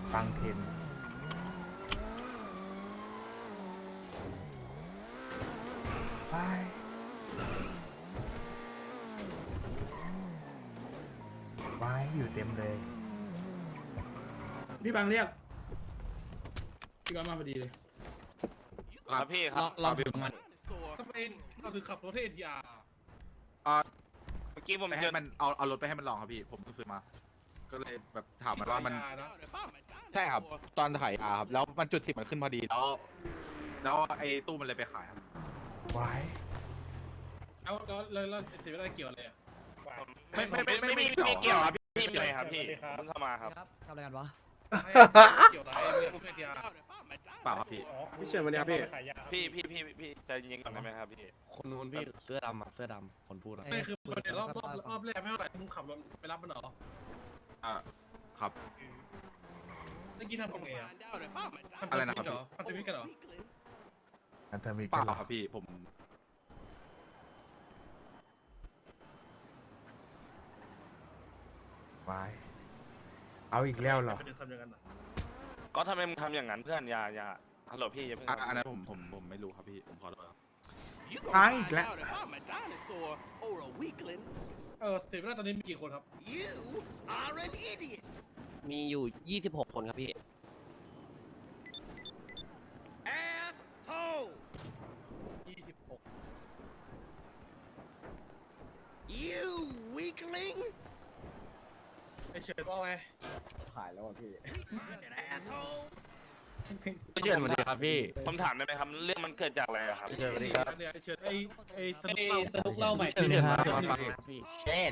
ฟังเทนไปไว้อยู่เต็มเลยพี่บังเรียกพี่บังมาพอดีเลยครับพี่ครับลองดูมันทำไมเราถึงขับรถให้ NTR เมื่อกี้ผมไปเจให้อมันเอารถไปให้มันลองครับพี่ผมเพิ่งซื้อมา ก็เลยแบบถามมันว่ามันนะใช่ครับตอนถ่ายครับแล้วมันจุด10มันขึ้นพอดีแล้วไอ้ตู้มันเลยไปขายครับไว้แล้วเสียเวลาเกี่ยวอะไรอ่ะไม่มีเกี่ยวครับพี่เลยครับพี่เพิ่งเข้ามาครับทำอะไรกันวะเกี่ยวอะไรพวก NTR เปล่าครับพี่พี่เชิญมาเนี่ยพี่พี่ใจเย็นก่อนได้ไหมครับพี่คนนู้นพี่เสื้อดำอะเสื้อดำคนพูดอะไม่คือเดี๋ยวรอบแรกไม่เท่าไหร่มึงขับรถไปรับมันเหรอครับเมื่อกี้ทำยังไงอ่ะอะไรนะครับพันธมิตรกันเหรออันเธอมีเปกันเหรล่าอครับพี่ผมไว้เอาอีกแล้วเหรอไปเดินทำอย่างนั้นอ่ะก็ทำไมมึงทำอย่างนั้นเพื่อนอย่าฮัลโหลพี่อย่าเพิ่งอันนั้นผมไม่รู้ครับพี่ผมขอโทษครับอ้างอีกแล้วเสียเวลาตอนนี้มีกี่คนครับมีอยู่26คนครับพี่ 26 ไอเฉิดว่าไงพี่เชิญสวัสดีครับพี่ผมถามได้ไหมครับเรื่องมันเกิดจากอะไรอะครับพี่เชิญสวัสดีครับเนี่ยไอเฉิดไอสนุกเล่าใหม่พี่เชิญมาฟังครับพี่เช่น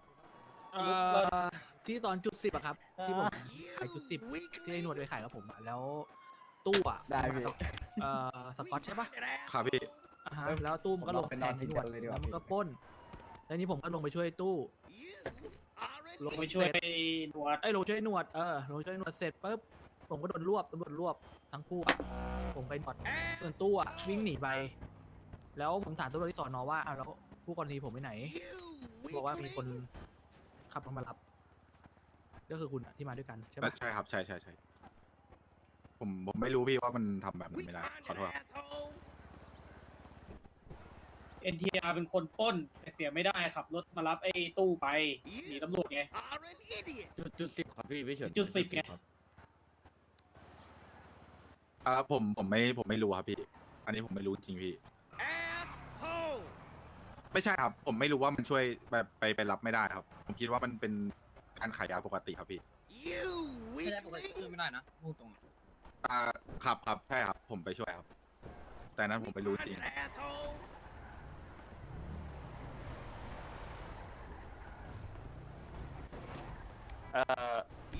ที่ตอนจุด10อะครับ ที่ผมขายจุด10ที่ไอ้หนวดไปขายกับผมอะแล้วตู้อะได้พี่สกอตใช่ปะครับพี่อ่าฮะแล้วตู้มันก็ลงแทนไอ้หนวดแล้วมันก็ปล้นแล้วนี้ผมก็ลงไปช่วยตู้ลงไปช่วยหนวดลงช่วยหนวดลงช่วยหนวดเสร็จปุ๊บผมก็โดนรวบตำรวจรวบทั้งคู่อะผมไปหนวดส่วนตู้อะวิ่งหนีไป แล้วผมถามตำรวจที่สอนอว่าอ้าวแล้วผู้กรณีผมไปไหนบอกว่ามีคนขับรถมารับ ก็คือคุณอะที่มาด้วยกันใช่ไหมใช่ครับใช่ผมไม่รู้พี่ว่ามันทำแบบนั้นไม่ได้ขอโทษครับ NTR เป็นคนปล้นแต่เสียไม่ได้ขับรถมารับไอ้ตู้ไปหนีตำรวจไงจุด10ครับพี่เชิญจุด10ไงผมไม่รู้ครับพี่ อันนี้ผมไม่รู้จริงพี่ ไม่ใช่ครับ ผมไม่รู้ว่ามันช่วยแบบไปรับไม่ได้ครับ ผมคิดว่ามันเป็นการขายยาปกติครับพี่ไม่ได้ปกติคือไม่ได้นะพูดตรงครับใช่ครับ ผมไปช่วยครับ แต่นั้นผมไม่รู้จริงเออ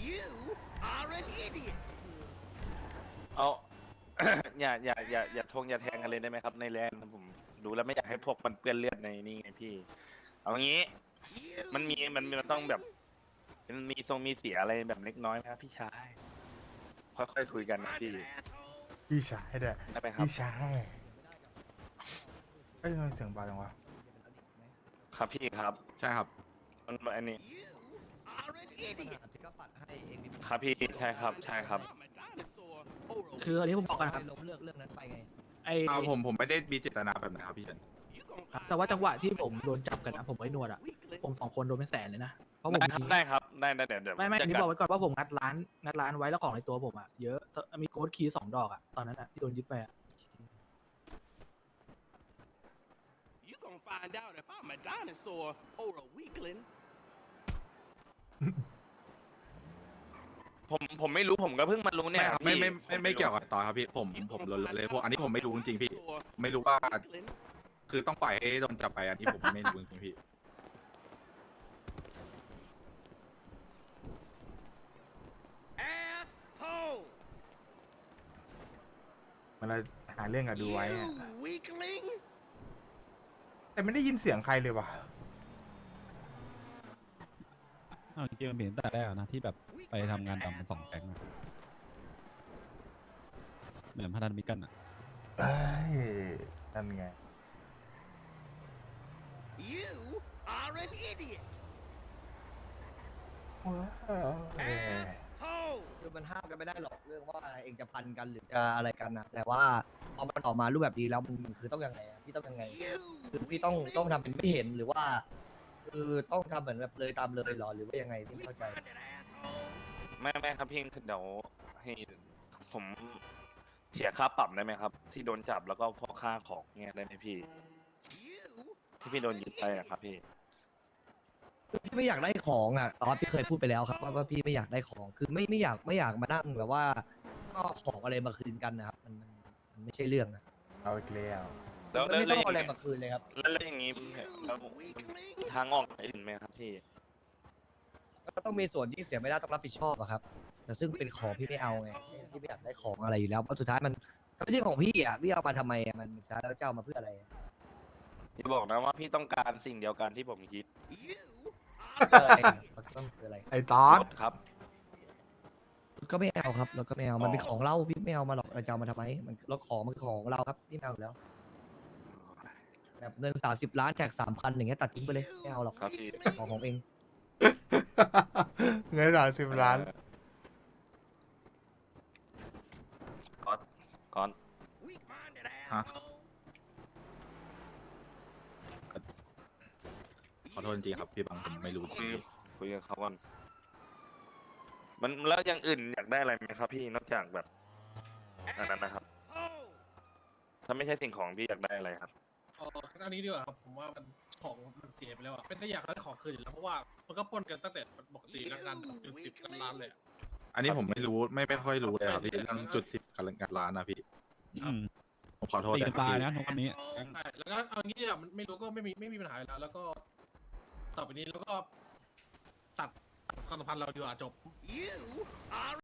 เอา อย่าทงอย่าแทงกันเลยได้ไหมครับในแลนด์ผมดูแล้วไม่อยากให้พวกมันเปื้อนเลือดในนี่ไงพี่ เอางี้ มันต้องแบบมันมีเสียอะไรแบบเล็กน้อยไหมครับพี่ชายค่อยๆคุยกันนะพี่พี่ชายเด้อได้ไหมครับพี่ชายเอ้ยทำไมเสียงเบาจังวะครับพี่ครับใช่ครับมันอันนี้ก็ปัดให้เองดิครับพี่ใช่ครับคืออันนี้ผมบอกกันครับลบเรื่องนั้นไปไงไอ้ผมไม่ได้มีเจตนาแบบนั้นครับพี่เฉินแต่ว่าจังหวะที่ผมโดนจับกันนะผมไอ้หนวดอะผม2 คนโดนเป็นแสนเลยนะเพราะผมได้ครับได้เดี๋ยวไม่อันนี้บอกไว้ก่อนว่าผมงัดร้านไว้แล้วของในตัวผมอะเยอะมีโค้ดคีย์2 ดอกอะตอนนั้นอะที่โดนยึดไปอะผมไม่รู้ผมก็เพิ่งมารู้เนี่ยไม่เกี่ยวกับต่อครับพี่ ผมลนเลยพวกอันนี้ผมไม่รู้จริงๆพี่ ไม่รู้ว่า คือต้องปล่อยให้โดนจับไปอันนี้ผมไม่รู้จริงๆพี่มันเราหาเรื่องกับดูไว้อะแต่ไม่ได้ยินเสียงใครเลยว่ะจริงๆมันเป็นตั้งแต่แรกนะที่แบบไปทำงานดำเป็น2 แก๊งอะเหมือนพันธมิตรกันอ่ะเอ้ยนั่นไง ว้าวมันห้ามกันไม่ได้หรอกเรื่องว่าเองจะพันกันหรือจะอะไรกันนะแต่ว่าพอมันออกมารูปแบบนี้แล้วมันคือต้องยังไงอะพี่ต้องยังไงคือพี่ต้องทำเป็นไม่เห็นหรือว่าคือต้องทำเหมือนแบบเลยตามเลยเหรอหรือว่ายังไงพี่ไม่เข้าใจไม่ครับพี่เดี๋ยวให้ผมเสียค่าปรับได้ไหมครับ ที่โดนจับแล้วก็พวกค่าของเนี่ยได้ไหมพี่ ที่พี่โดนยึดไปอะครับพี่พี่ไม่อยากได้ของอ่ะตอนพี่เคยพูดไปแล้วครับว่าพี่ไม่อยากได้ของคือไม่อยากมานั่งแบบว่าก็ของอะไรมาคืนกันนะครับมันไม่ใช่เรื่องนะเอาอีกแล้วแล้วมันไม่ต้องเอาอะไรมาคืนเลยครับแล้วอย่างนี้แล้วทางออกอื่นไหมครับพี่ก็ต้องมีส่วนที่เสียไม่ได้ต้องรับผิดชอบอะครับ แต่ซึ่งเป็นของพี่ไม่เอาไงพี่ไม่อยากได้ของอะไรอยู่แล้วเพราะสุดท้ายมันไม่ใช่ของพี่อ่ะพี่เอามาทำไมอ่ะมันสุดท้ายแล้วเจ้ามาเพื่ออะไรอะพี่บอกนะว่าพี่ต้องการสิ่งเดียวกันที่ผมคิดเพื่ออะไรอะมันต้องคืออะไรไอ้ตอดรถครับก็ไม่เอาครับแล้วก็ไม่เอามันเป็นของเราพี่ไม่เอามาหรอกเราจะเอามาทำไมมันรถของมันคือของเราครับพี่ไม่เอาอยู่แล้วแบบเงิน30 ล้านแจก3,000อย่างเงี้ยตัดทิ้งไปเลยไม่เอาหรอกครับพี่ของเองเงิน30 ล้านก่อนฮะขอโทษจริงๆครับพี่บังผมไม่รู้จริงคุยกับเขาก่อน มันแล้วอย่างอื่นอยากได้อะไรไหมครับ พี่นอกจากแบบอันนั้นนะครับ ถ้าไม่ใช่สิ่งของพี่อยากได้อะไรครับอันนี้ดีกว่าครับผมว่ามันของมันเสียไปแล้วอะเป็นได้อยากได้ของคืนอยู่แล้วเพราะว่ามันก็ปล้นกันตั้งแต่ปกติแล้วกันเป็น10 ล้านเลยอะๆอันนี้ผมไม่รู้ไม่ค่อยรู้เลยครับพี่เรื่องจุด10กับร้านนะพี่อืมผมขอโทษตีเลกัยนครับตายพี่นะทุกวันนี้ใช่แล้วก็เอางี้อ่ะมันไม่รู้ก็ไม่มีปัญหาอยู่แล้วแล้วก็ต่อไปนี้แล้วก็ตัดความสัมพันธ์เราดีกว่าจบ